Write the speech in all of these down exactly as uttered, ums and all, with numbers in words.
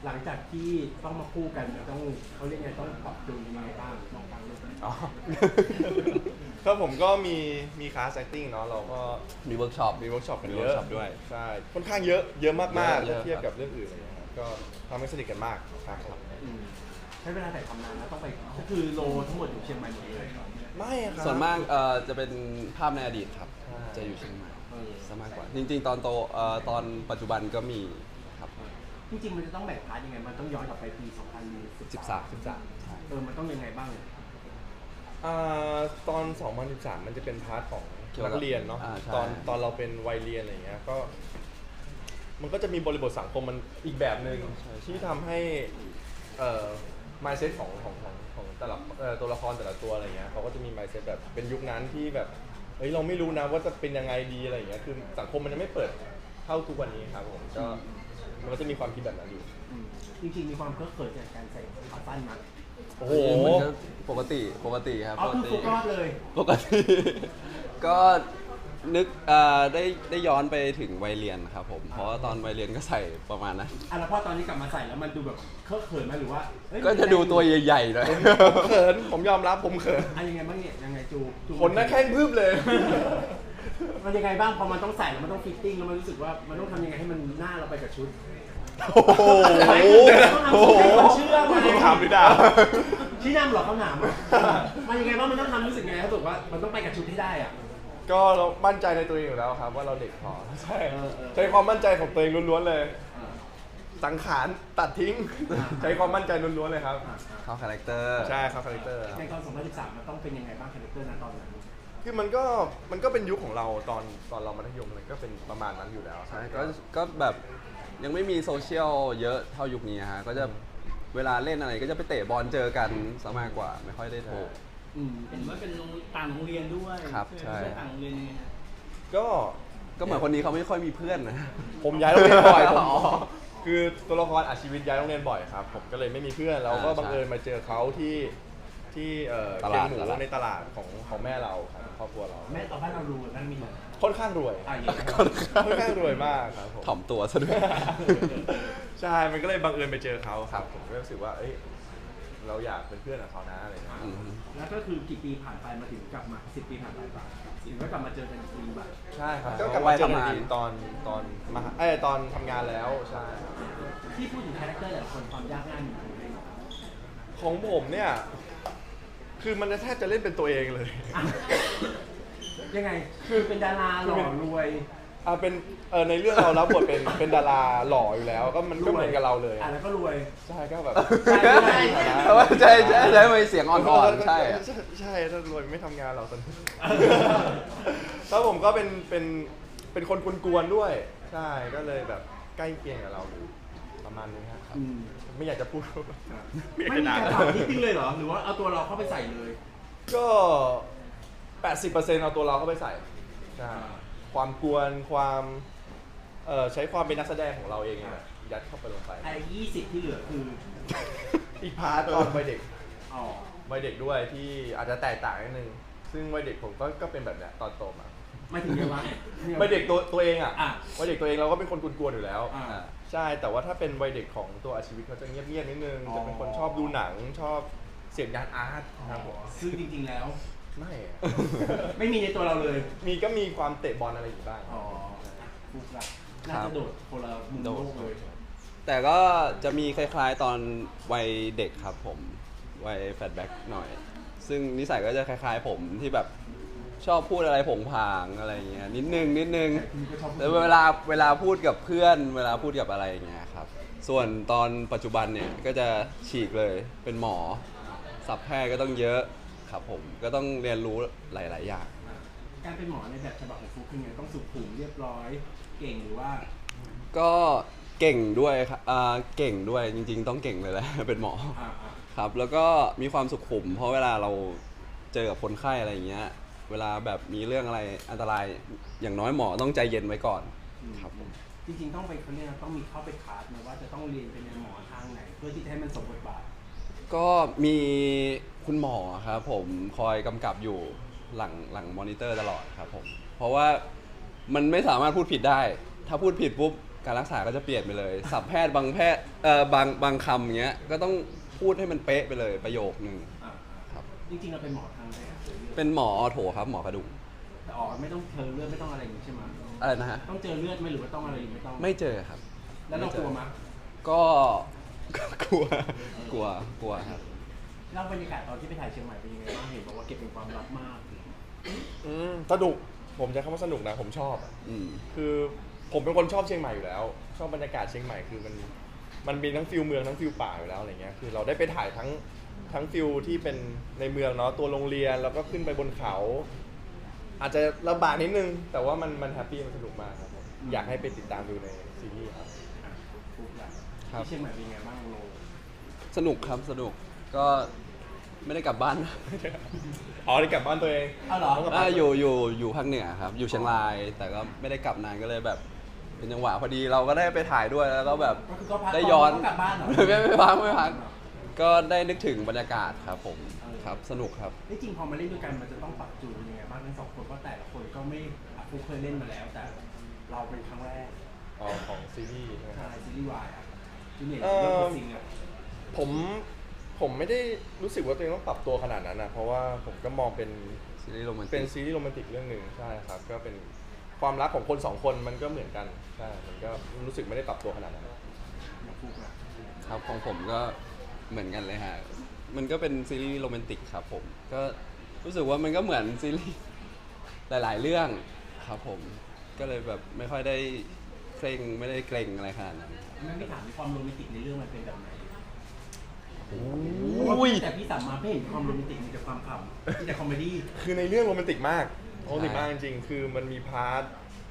หลังจากที่ต้องมาคู่กันจะต้องเขาเรียกไงต้องปรับจูนยังไงบ้างมองกันเลยอ๋อ ก็ผมก็มีมีคลาส acting เนาะเราก็มีเวิร์กช็อปมีเวิร์กช็อปกันมีเยเวิร์อะกช็อปด้วยใช่ค่อนข้างเยอะเยอะมากๆเยอะถ้าเทียบครับกับเรื่องอื่นอะไรเงี้ยครับก็ทำให้สนิทกันมากครับผมอืมใช้เวลาถ่ายทำนานนะต้องไปก็คือโลทั้งหมดอยู่เชียงใหม่หมดเลยไม่ครับส่วนมากเอ่อจะเป็นภาพในอดีตครับใช่จะอยู่เชียงใหม่เออซะมากกว่า จริง ๆ ตอนโตเอ่อตอนปัจจุบันก็มีครับจริงๆมันจะต้องแบ่งพาร์ทยังไงมันต้องย้อนกลับไปปีสองพันสิบสามสิบสามเออมันต้องยังไงบ้างอ่าตอน สองพันสิบสาม มันจะเป็นพาร์ทของเกี่ยวกันับกเรียนเนาะอ่าใช่ตอนตอนเราเป็นวัยเรียนอะไรเงี้ยก็ มันก็จะมีบริบทสังคมมันอีกแบบหนึ่งที่ทำให้เอ่อ mindset ของของของของแต่ละเอ่อตัวละครแต่ละตัวอะไรเงี้ยเขาก็จะมี mindset แบบเป็นยุคนั้นที่แบบเฮ้ยเราไม่รู้นะว่าจะเป็นยังไงดีอะไรเงี้ยคือสังคมมันยังไม่เปิดเท่าทุกวันนี้ครับผมก็มันก็จะมีความคิดแบบนั้นอยู่อืมจริงๆมีความเคอะเขินจากการใส่ขาสั้นมั้ยโอ้โหมันก็ปกติปกติครับอ๋อปกคือติฟุกรอดเลยปกติ ก็นึกเอ่อได้ได้ย้อนไปถึงวัยเรียนครับผม เพราะว่าตอนวัยเรียนก็ใส่ประมาณนั้นอ่ะแล้วพอตอนนี้กลับมาใส่แล้วมันดูแบบเคอะเขินไหมหรือว่าเฮ้ยก็จะดูตัวใหญ่ๆหน่อยผมเขินผมยอมรับผมเขินอ่ะยังไงบ้างเนี่ยยังไงจูจูขนหน้าแข้งพึบเลยมันยังไงบ้างพอมันต้องใส่แล้วมันต้องฟิตติ้งแล้วมันรู้สึกว่ามันต้องทำยังไงให้มันหน้าเราไปกับชุดโอ้โหโอ้โหเชื่อไหมถามพี่ดาวชี้นำเหรอเขาหนามอ่ะมันยังไงบ้างมันต้องทำรู้สึกไงเขาบอกว่ามันต้องไปกับชุดให้ได้อ่ะก็เรามั่นใจในตัวเองอยู่แล้วครับ ว่าเราเด็กพอใช่เออเออใช้ความมั่นใจของตัวเองล้วนๆเลยอ่าสังขารตัดทิ้งอ่าใช้ความมั่นใจล้วนๆเลยครับอ่าเข้าคาแรคเตอร์ใช่ครับคาแรคเตอร์ในตอนสองพันสิบสามมันต้องเป็นยังไงบ้างคาแรคเตอร์นั้นตอนนั้นคือมันก็มันก็เป็นยุคของเราตอนตอนเรามัธยมเลยก็เป็นประมาณนั้นอยู่แล้วใช่ก็ก็แบบยังไม่มีโซเชียลเยอะเท่ายุคนี้ฮะ ก็จะเวลาเล่นอะไรก็จะไปเตะบอลเจอกันซะมากกว่า ไม่ค่อยได้โทรอืมเห็นว่าเป็นโรงต่างโรงเรียนด้วยครับใช่ไหมใช่ไม่ต่างโรงเรียนยังไงฮะก็ก็เหมือนคนนี้เขาไม่ค่อยมีเพื่อนนะผมย้ายโรงเรียนบ่อยผมอ๋อคือตัวละครอาชีวิตย้ายโรงเรียนบ่อยครับ ผมก็เลยไม่มีเพื่อนแล้วก็อ่าบังเอิญใช่มาเจอเขาที่ที่เอ่อตเคียลาง ดหมูตลาดในตลาดของของแม่เราครับครอบครัวเราแม่ตอนบ้านเรารู้นั่นมีอะไรค่อนข้างรวยอ่ะอย่างเงี้ยค่อนข้างรวยมากครับผมถ่อมตัวซะด้วยใช่ มันก็เลยบังเอิญไปเจอเขาครับ ผมก็รู้สึกว่า เอ้ย เราอยากเป็นเพื่อนกับเขานะอะไรเงี้ยอืมแล้วก็คือกี่ปีผ่านไปมาถึงกลับมาสิบปีผ่านไปป่ะถึงก็กลับมาเจอกันอีกทีแบบใช่ครับอ่าก็กลับมาเจอกันวัยทำงานอีกทีตอนตอนมหาเอ้ยตอนทำงานแล้ว ใช่ครับที่พูดถึงคาแรคเตอร์แต่ละคนความยากง่ายมีอยู่ในของผมเนี่ย คือมันแทบจะเล่นเป็นตัวเองเลยอ่ะยังไงคือเป็นดาราหล่อรวยอ่าเป็นเออในเรื่องเรารับบทเป็นเป็นดาราหล่ออยู่แล้ว ก็มันก็เหมือนกับเราเลยอ่ะแล้วก็รวยใช่ก็แบบใช่ใช่แต่ว่าใช่ใช่ใช่ไม่เสียงอ่อนๆ ใช่อะใช่ใช่ถ้ารวยไม่ทำงานเราตอนนี้ แล้วผมก็เป็นเป็นเป็นคนกวนๆด้วย ใช่ก็เลยแบบใกล้เคียงกับเราอยู่ประมาณนึงครับอืมไม่อยากจะพูดไม่มีการปรับนิดนึงเลยเหรอหรือว่าเอาตัวเราเข้าไปใส่เลยก็ แปดสิบเปอร์เซ็นต์ เอาตัวเราเข้าไปใส่ใช่ความกวนความเอ่อใช้ความเป็นนักแสดงของเราเองอะยัดเข้าไปลงไปไอ้ยี่สิบที่เหลือคืออีกพาร์ทตอนวัยเด็กอ๋อวัยเด็กด้วยที่อาจจะแตกต่างนิดนึง ซึ่งวัยเด็กผมก็ก็เป็นแบบเนี้ยตอนโตมาไม่ถึงเยอะวะวัยเด็กตัวตัวเองอ่ะอ่ะวัยเด็กตัวเองเราก็เป็นคนกวนๆอยู่แล้วอ่าใช่ แต่ว่าถ้าเป็นวัยเด็กของตัวอาชีวิตเขาจะเงียบๆนิดนึงอ๋อจะเป็นคนชอบดูหนังชอบเสพงานอาร์ตครับผมซึ่งจริงๆแล้วไม่อะไม่มีในตัวเราเลยมีก็มีความเตะบอลอะไรอยู่บ้างอ๋อฟุกละน่าจะโดดคนละมุมโลกเลยแต่ก็จะมีคล้ายๆตอนวัยเด็กครับผม วัยแฟลชแบ็กหน่อย ซึ่งนิสัยก็จะคล้ายๆผมที่แบบชอบพูดอะไรผงผางอะไรเงี้ยนิดนึงนิดนึงคุณก็ชอบแต่เวลาเวลาพูดกับเพื่อน เวลาพูดกับอะไรอย่างเงี้ยครับ ส่วนตอนปัจจุบันเนี่ยก็จะฉีกเลยเป็นหมอศัพท์แพทย์ก็ต้องเยอะครับผมก็ต้องเรียนรู้หลาย ๆ อย่างการเป็นหมอในแบบฉบับของฟุกคือไงต้องสุขุมเรียบร้อย เก่งหรือว่าก็เก่งด้วยครับอ่าเก่งด้วยจริง ๆ ต้องเก่งเลยแหละ เป็นหมออ่าอ่าครับแล้วก็มีความสุขุม เพราะเวลาเราเจอกับคนไข้อะไรอย่างเงี้ยเวลาแบบมีเรื่องอะไรอันตรายอย่างน้อยหมอต้องใจเย็นไว้ก่อนครับผมจริงๆต้องไปเขาเรียกนะต้องมีเข้าไปคลาสนะว่าจะต้องเรียนเป็นหมอทางไหน เพื่อที่จะให้มันสมบทบาทก็มีคุณหมอครับผมคอยกำกับอยู่หลังหลังมอนิเตอร์ตลอดครับผมเพราะว่ามันไม่สามารถพูดผิดได้ ถ้าพูดผิดปุ๊บการรักษาก็จะเปลี่ยนไปเลยศัพท์แพทย์บางแพทย์เอ่อบางบางคำอย่างเงี้ยก็ต้องพูดให้มันเป๊ะไปเลยประโยคนึงอ่าครับจริงๆเราเป็นหมอทางไหนอะเป็นหมอออโถครับหมอกระดูกแต่ออกไม่ต้องเจอเลือดไม่ต้องอะไรอย่างนี้ใช่ไหมอะไรนะฮะต้องเจอเลือดไหมหรือว่าต้องอะไรหรือไม่ต้องไม่เจอครับแล้วเรากลัวมั้ยก็ กลัวกลัวกลัวครับเล่าบรรยากาศตอนที่ไปถ่ายเชียงใหม่เป็นยังไงบ้างเห็นบอกว่าเก็บเป็นความลับมากอืมสนุกผมจะคำว่าสนุกนะผมชอบอะอืมคือผมเป็นคนชอบเชียงใหม่อยู่แล้ว ชอบบรรยากาศเชียงใหม่คือมันมันมีทั้งฟิลเมืองทั้งฟิลป่าอยู่แล้วอะไรเงี้ยคือเราได้ไปถ่ายทั้งทั้งฟิลที่เป็นในเมืองเนาะตัวโรงเรียนแล้วก็ขึ้นไปบนเขา อาจจะลำบากนิดนึง แต่ว่ามันมันแฮปปี้มันสนุกมากครับผมอยากให้ไปติดตามดูในซีรีส์ครับอ่ะทุกอย่างครับที่เชียงใหม่เป็นยังไงบ้างโลสนุกครับสนุกก็ไม่ได้กลับบ้านนะอ๋อได้กลับบ้านตัวเองอ้าวเหรอต้งกลับอ่าบ้านอยู่อยู่อยู่ภาคเหนือครับ อยู่เชียงราย แต่ก็ไม่ได้กลับนานก็เลยแบบ เป็นจังหวะพอดีเราก็ได้ไปถ่ายด้วยแล้วก็แบบก็คือก็พักได้ย้อนก็กลับบ้านเหรอไม่ไม่พักไม่พักก็ได้นึกถึงบรรยากาศครับผมครับสนุกครับนี่จริงพอมาเล่นด้วยกันมันจะต้องปรับจูนยังไงบ้างทั้งสองคนเพราะแต่ละคนก็ไม่อ่ะฟุกเคยเล่นมาแล้ว แต่เราเป็นครั้งแรกอ๋อของซีรีส์ใช่ไหมคใช่รับซีรีส์วายอ่ะจูเนียร์เอ่อเรื่องของซิงอ่ะผมผมไม่ได้รู้สึกว่าตัวเองต้องปรับตัวขนาดนั้นนะเพราะว่าผมก็มองเป็นซีรีส์โรแมนติกเป็นซีรีส์โรแมนติกเรื่องหนึ่งใช่ครับก็เป็นความรักของคนสองคนมันก็เหมือนกันใช่มันก็รู้สึกไม่ได้ปรับตัวขนาดนั้นอย่างฟุกอ่ะครับของผมก็เหมือนกันเลยฮะ มันก็เป็นซีรีส์โรแมนติกครับผม ก็รู้สึกว่ามันก็เหมือนซีรีส์หลาย ๆ เรื่องครับผม ก็เลยแบบไม่ค่อยได้เคร่งไม่ได้เกรงอะไรขนาดนั้นไม่ไม่ถามความโรแมนติกในเรื่องมันเป็นแบบไหนอุ้ยแต่พี่สามมาไม่เห็นความโรแมนติกมีแต่ความขำมีแต่คอมเมดี้คือในเรื่องโรแมนติกมากโรแมนติกใช่มากจริงๆคือมันมีพาร์ท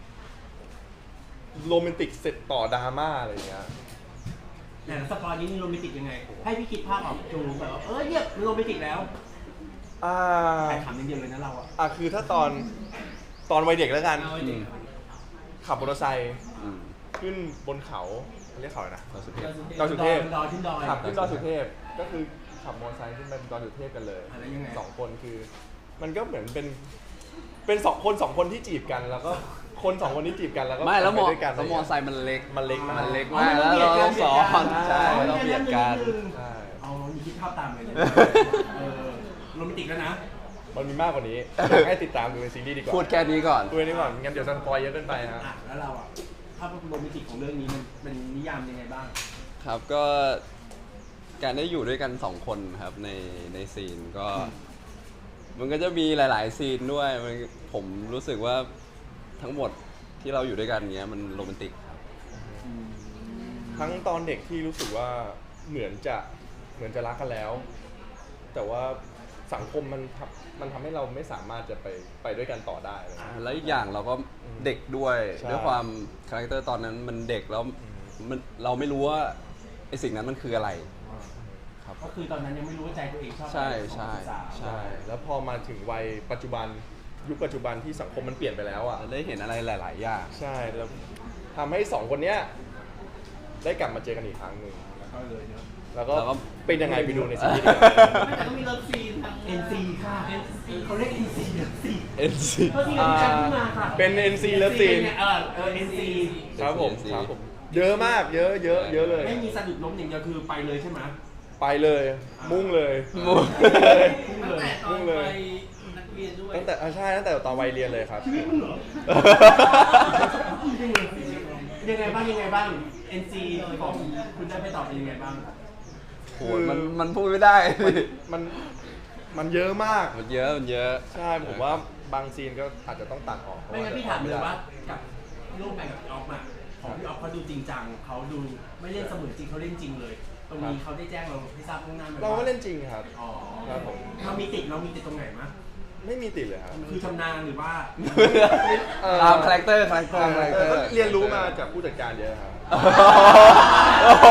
โรแมนติกเสร็จต่อดราม่าอะไรอย่างเงี้ยแต่สปอยนี้นี่โรแมนติกยังไง ให้พี่คิดภาพออกจูแบบว่าเออเนี่ยมันโรแมนติกแล้วอ่าแต่ขำอย่างเดียวเลยนะเราอ่ะอ่ะคือถ้าตอนตอนวัยเด็กแล้วกันเอาไว้เด็กขับมอเตอร์ไซค์อืมขึ้นบนเขาเรียกเขาอะไรนะเราสุดเทพดอยสุเทพดอยขึ้นดอยขับขึ้นดอยสุเทพก็คือขับมอเตอร์ไซค์ขึ้นไปดอยสุเทพกันเลยอะไรยังไงสองคนคือ มันก็เหมือนเป็นเป็นสองคนสองคนที่จีบกัน แล้วก็คนสองคนที่จีบกันแล้วก็ไม่แล้วมอไปด้วยกันแล้วมอไซค์มันเล็กมันเล็กมากมันเล็กมากแล้วเราต้องสอนใช่เราต้องเบียดกันใช่เอานี่คิดภาพตามเลยเนี่ยเออโรแมนติกแล้วนะมันมีมากกว่านี้อยากให้ติดตามดูในซีรีส์ดีกว่าพูดแค่นี้ก่อนดูนี้ก่อนงั้นเดี๋ยวสปอยเยอะเกินไปฮะอ่ะแล้วเราอ่ะภาพโรแมนติกของเรื่องนี้มันเป็นนิยามยังไงบ้างครับก็การได้อยู่ด้วยกันสองคนครับในในซีนก็ มันก็จะมีหลาย ๆ ซีนด้วยมันผมรู้สึกว่าทั้งหมดที่เราอยู่ด้วยกันเนี้ยมันโรแมนติกครับทั้งตอนเด็กที่รู้สึกว่าเหมือนจะเหมือนจะรักกันแล้ว แต่ว่าสังคมมันทำมันทำให้เราไม่สามารถจะไปไปด้วยกันต่อได้อะไรเงี้ยแล้วอีกอย่างเราก็เด็กด้วยใช่ด้วยความคาแรคเตอร์ตอนนั้นมันเด็กแล้วมันเราไม่รู้ว่าไอสิ่งนั้นมันคืออะไรครับก็คือตอนนั้นยังไม่รู้ว่าใจตัวเองชอบใช่อะไรใช่ของสาวใช่แล้วพอมาถึงวัยปัจจุบันยุคปัจจุบันที่สังคมมันเปลี่ยนไปแล้วอ่ะได้เห็นอะไรหลาย ๆ อย่างใช่แล้วทำให้สองคนเนี้ยได้กลับมาเจอกันอีกครั้งหนึ่งก็เลยเนอะแล้วก็แล้วก็เป็นยังไงไปดูในซีรีส์ดีกว่าแต่ก็มีเลิฟซีนทางเอ็นซีค่ะ เขาเรียก เอ็น ซี เอ็น ซีเอ็นซีก็ที่เราจัดขึ้นมาค่ะเป็น เอ็น ซี Love Scene เออเออ เอ็น ซีครับผมเอ็นซีครับผมเยอะมากเยอะเยอะเยอะเลยไม่มีสะดุดล้มอย่างเดียวคือไปเลยใช่ไหมไปเลยมุ่งเลยมุ่งเลยพุ่งตั้งเลยแต่ตอนไปนักเรียนด้วยตั้งแต่อ่ะใช่ตั้งแต่ตอนวัยเรียนเลยครับยังไงบ้างยังไงบ้าง เอ็น ซี ของคุณได้ไปตอบเป็นยังไงบ้างโหมันมันพูดไม่ได้มันมันเยอะมากมันเยอะมันเยอะใช่ผมว่าบางซีนก็อาจจะต้องตัดออกเพระไม่งั้นพี่ถามไม่เลยได้ว่ากับร่วมงานกับพี่ออฟอะของพี่ออฟเขาดูจริงจังเขาดูไม่เล่นเสมือนจริงเขาเล่นจริงเลย ตรงนี้เขาได้แจ้งเราให้ทราบล่วงหน้าไหมเราก็เล่นจริงครับอ๋อครับผมเรามีติดเรามีติดตรงไหนมั้ยไม่มีติดเลยครับคือชำนาญหรือว่าเอ่อตามคาแรคเตอร์คาแรคเตอร์คาแรคเตอร์ก็เรียนรู้มาจากผู้จัดการเยอะครับโอ้โห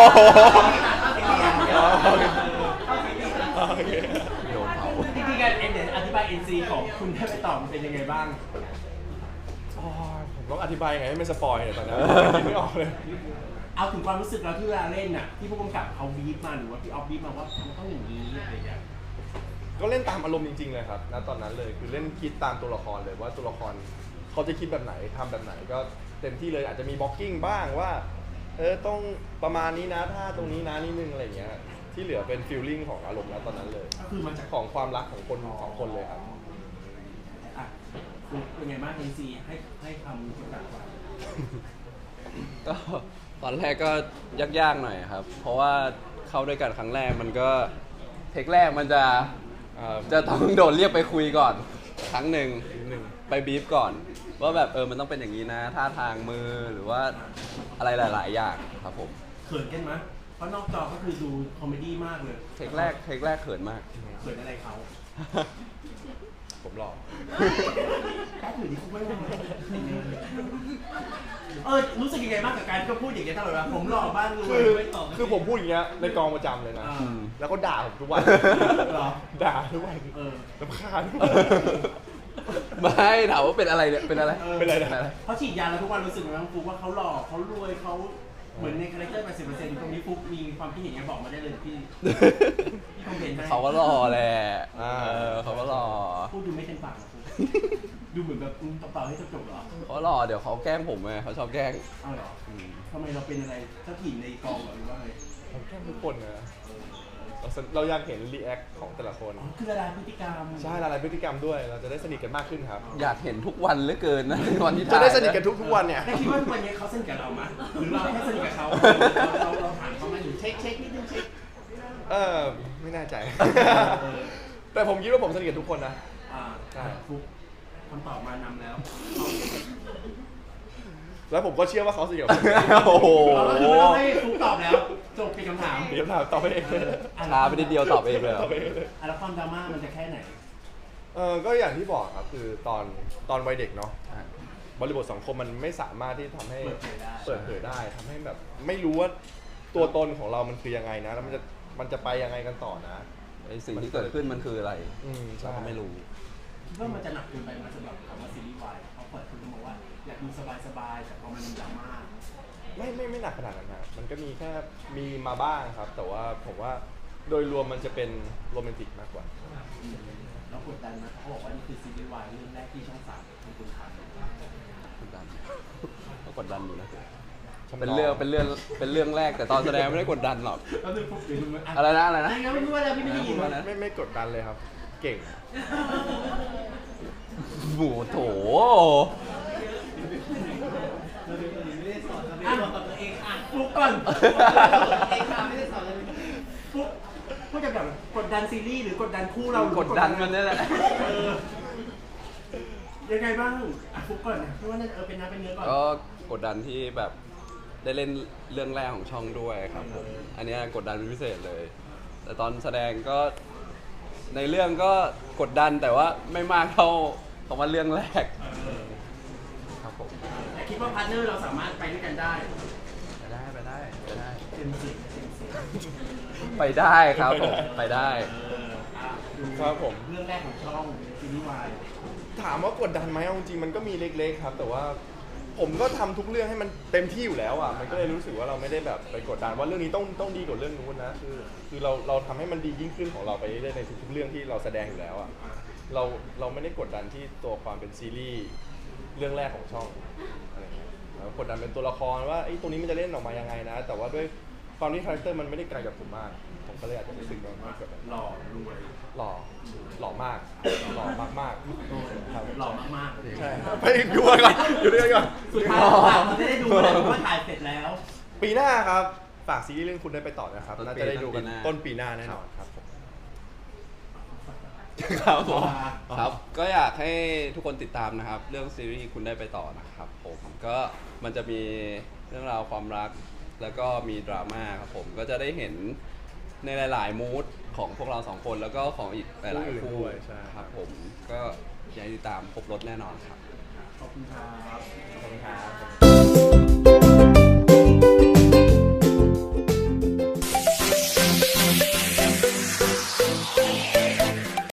โอเคโดนเผาจริงๆการเอ็นเนี่ยอธิบาย เอ็น ซี ของคุณได้ไปตอบมันเป็นยังไงบ้างอ๋อผมต้องอธิบายยังไงให้ไม่สปอยเนี่ยตอนนี้คิดไม่ออกเลยเอาถึงความรู้สึกเราที่เวลาเล่นน่ะที่ผู้กำกับเขาบีบมาหรือว่าพี่ออฟบีบมาว่ามันต้องอย่างนี้อะไรอย่างเงี้ยก็เล่นตามอารมณ์จริงๆเลยครับณตอนนั้นเลยคือเล่นคิดตามตัวละครเลยว่าตัวละครเขาจะคิดแบบไหนทำแบบไหนก็เต็มที่เลยอาจจะมีบล็อกกิ้งบ้างว่าเออต้องประมาณนี้นะถ้าตรงนี้นะนิดนึงอะไรเงี้ยที่เหลือเป็นฟีลลิ่งของอารมณ์แล้วตอนนั้นเลยก็คือมันจากของความรักของคนของคนเลยครับอ่ะคุณเป็นไงบ้างเอ็นซีให้ให้คำจำกัดความก็ตอนแรกก็ยากๆหน่อยครับ เพราะว่าเข้าด้วยกันครั้งแรกมันก็เทคแรกมันจะอ่าจะต้องโดนเรียกไปคุยก่อน ครั้งหนึ่งนิดนึงไปบีฟก่อน ว่าแบบเออมันต้องเป็นอย่างนี้นะท่าทางมือหรือว่าอะไรหลาย ๆ อย่างครับผมเขินกันไหมเพราะนอกจอก็คือดูคอมเมดี้มากเลยเทคแรกเทคแรกเขินมากเขินอะไรเขาผมหลอกแค่ถือที่คุกไม่ได้เออรู้สึกยังไงบ้างกับการที่เขาพูดอย่างเงี้ยตลอดเวลาผมหล่อบ้านรวคืยอไม่ตอบคือผมพูดอย่างเงี้ยในกองประจำเลยนะอ่าแล้วก็ด่าผมทุกวันเหรอด่าทุกวันเออรำคาญไม่ถามว่าเป็นอะไรเนี่ยเป็นอะไรออเป็นไรนะเขาฉีดยาแล้วทุกวันรู้สึกไหมว่าฟุกว่าเขาหล่อเขารวยเขาเหมือนในคาแรคเตอร์แปดสิบเปอร์เซ็นต์ตรงนี้ฟุกมีความคิดเห็นยังไงบอกมาได้เลยพี่พี่คอมเมนต์ให้เขาก็รอแหละอ่าเออเขาก็รอพูดดูไม่เต็มปากนะฟุกดูเหมือนแบบอืมเปล่าๆให้จบๆเหรอเขารอเดี๋ยวเขาแกล้งผมไงเขาชอบแกล้งเอาเหรออืมทำไมเราเป็นอะไรเจ้าถิ่นในกองเหรอหรือว่าไงผมแค่ทุกคนนะเราสนเราอยากเห็นรีแอคของแต่ละคนอ๋อคือละลายพฤติกรรมใช่ละลายพฤติกรรมด้วย เราจะได้สนิทกันมากขึ้นครับอยากเห็นทุกวันเหลือเกินนะวันที่จะถ่ายได้สนิทกันทุกทุกๆวันเนี่ยแต่คิดว่าทุกวันนี้เขาสนิทกับเราไหมหรือเราแค่สนิทกับเขาเราเราเราถามเขาไหมหรือเช็คเช็คนิดนึงเช็คเออไม่แน่ใจ แต่ผมคิดว่าผมสนิทกับทุกคนนะอ่าใช่ฟุกคำตอบมานำแล้วแล้วผมก็เชื่อว่าเขาสนิทกับผมโอ้โหเราก็คือไม่ต้องให้ฟุกตอบแล้วจบเป็นคำถามเดี๋ยวถามตอบไปเองเอออ่ะช้าไปนิดเดียวตอบเองเลยเหรอตอบไปเองเลยอ่ะแล้วความดราม่ามันจะแค่ไหนเออก็อย่างที่บอกครับคือตอนตอนวัยเด็กเนาะอ่ะบริบทสังคมมันไม่สามารถที่ทำให้เปิดเผยได้เปิดเผยได้ทำให้แบบ ไม่รู้ว่าตัวตนของเรามันคือยังไงนะ แล้วมันจะมันจะไปยังไงกันต่อนะไอสิ่งที่เกิดขึ้นมันคืออะไรอืมใช่เราก็ไม่รู้คิดว่ามันจะหนักเกินไปไหมสำหรับคำว่าซีรีส์วายเขาเปิดคุณบอกว่าอยากดูสบายๆแต่พอมันมีดราม่าไม่ไม่ไม่หนักขนาดนั้นนะมันก็มีแค่มีมาบ้างครับ แต่ว่าผมว่าโดยรวมมันจะเป็นโรแมนติกมากกว่าแล้วกดดันนะเขาบอกว่านี่คือซีรีส์วายเรื่องแรกที่ช่องสามเป็นคุณทำกดดันก็กดดันอยู่นะทำนองเป็นเรื่องเป็นเรื่องเป็นเรื่องแรกแต่ตอนแสดงไม่ได้กดดันหรอกแล้วดูปุ๊บเดี๋ยวดูมันอะไรนะอะไรอะไรนะนะไม่รู้ว่าอะไรพี่ไม่ได้ยินอะไรนะไม่ไม่กดดันเลยครับ เก่งหมูโถไม่ได้สอนเราไม่ได้สอนกับตัวเองอ่ะฟุกก่อนเองค่ะไม่ได้สอนเลยฟุกพูดจะแบบกดดันซีรีส์หรือกดดันคู่เราหรือกดดันมันนี่แหละเออยังไงบ้างอ่ะฟุกก่อนนะพี่ว่าน่าจะเออเป็นน้ำเป็นเนื้อก่อนก็กดดันที่แบบได้เล่นเรื่องแรกของช่องด้วยครับผม อันเนี้ยกดดันเป็นพิเศษเลย แต่ตอนแสดงก็ในเรื่องก็กดดันแต่ว่าไม่มากเท่าคำว่าเรื่องแรกเออครับผมแต่คิดว่าพาร์ทเนอร์เราสามารถไปด้วยกันได้ไปได้ไปได้ไปได้เต็มสิบเต็มสิบไปได้ครับผมไปได้เอออ่ะดูครับผมเรื่องแรกของช่องซีรีส์วายถามว่ากดดันไหมเอาจริงๆมันก็มีเล็กๆครับ แต่ว่าผมก็ทำทุกเรื่องให้มันเต็มที่อยู่แล้วอ่ะมันก็เลยรู้สึกว่าเราไม่ได้แบบไปกดดันว่าเรื่องนี้ต้องต้องดีกว่าเรื่องนู้นนะคือคือเราเราทำให้มันดียิ่งขึ้นของเราไปเรื่อยๆในทุกๆเรื่องที่เราแสดงอยู่แล้วอ่ะเราเราไม่ได้กดดันที่ตัวความเป็นซีรีส์เรื่องแรกของช่องอะไรเงี้ยเรากดดันเป็นตัวละครว่าไอ้ยตัวนี้มันจะเล่นออกมายังไงนะ แต่ว่าด้วยความที่คาแรคเตอร์มันไม่ได้ไกลกับผมมากผมก็เลยอาจจะรู้สึกว่าไม่กดดันหล่อรวยหล่อหล่อมากหล่อมากๆครับหล่อมากๆใช่ไปดูกันก่อนอยู่ด้วยกันก่อนสุดท้ายเราจะได้ดูเลยเพราะว่าถ่ายเสร็จแล้วปีหน้าครับ ฝากซีรีส์เรื่องคุณได้ไปต่อนะครับต้นปีน่าจะได้ดูกันต้ต้นนปีปีหหน้าน้าแน่นอนครับผมครับผมอ๋อครับก็อยากให้ทุกคนติดตามนะครับ เรื่องซีรีส์คุณได้ไปต่อนะครับผมก็มันจะมีเรื่องราวความรักแล้วก็มีดราม่าครับผมก็จะได้เห็นในหลาย ๆ มูดของพวกเราสองคนแล้วก็ของอีกหลาย ๆ คู่ด้วยใช่ครับผมก็อยากให้ติดตามครบรถแน่นอนครับขอบคุณครับขอบคุณครับ